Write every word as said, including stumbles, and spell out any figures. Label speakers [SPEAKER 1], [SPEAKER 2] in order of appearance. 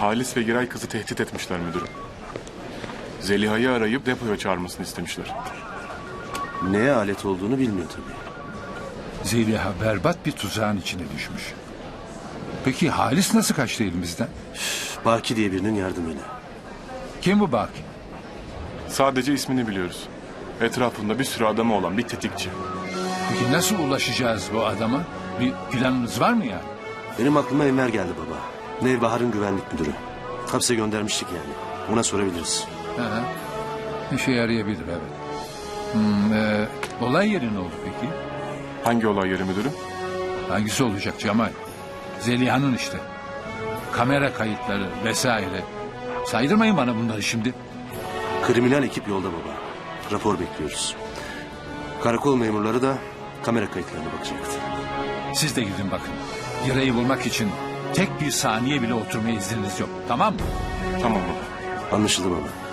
[SPEAKER 1] Halis ve Giray kızı tehdit etmişler müdürüm. Zeliha'yı arayıp depoya çağırmasını istemişler.
[SPEAKER 2] Neye alet olduğunu bilmiyor tabii.
[SPEAKER 3] Zeliha berbat bir tuzağın içine düşmüş. Peki Halis nasıl kaçtı elimizden?
[SPEAKER 2] Baki diye birinin yardımıyla.
[SPEAKER 3] Kim bu Baki?
[SPEAKER 1] Sadece ismini biliyoruz. Etrafında bir sürü adamı olan bir tetikçi.
[SPEAKER 3] Peki nasıl ulaşacağız bu adama? Bir planınız var mı yani?
[SPEAKER 2] Benim aklıma Enver geldi baba. Nevbahar'ın güvenlik müdürü. Hapse göndermiştik yani. Ona sorabiliriz.
[SPEAKER 3] Hı hı. İşe yarayabilir evet. Hmm, e, olay yeri ne oldu peki?
[SPEAKER 1] Hangi olay yeri müdürüm?
[SPEAKER 3] Hangisi olacak Cemal? Zeliha'nın işte. Kamera kayıtları vesaire. Saydırmayın bana bunları şimdi.
[SPEAKER 2] Kriminal ekip yolda baba. Rapor bekliyoruz. Karakol memurları da kamera kayıtlarına bakacaktı.
[SPEAKER 3] Siz de gidin bakın. Girayı bulmak için tek bir saniye bile oturmaya izniniz yok. Tamam mı?
[SPEAKER 1] Tamam baba.
[SPEAKER 2] Anlaşıldı baba.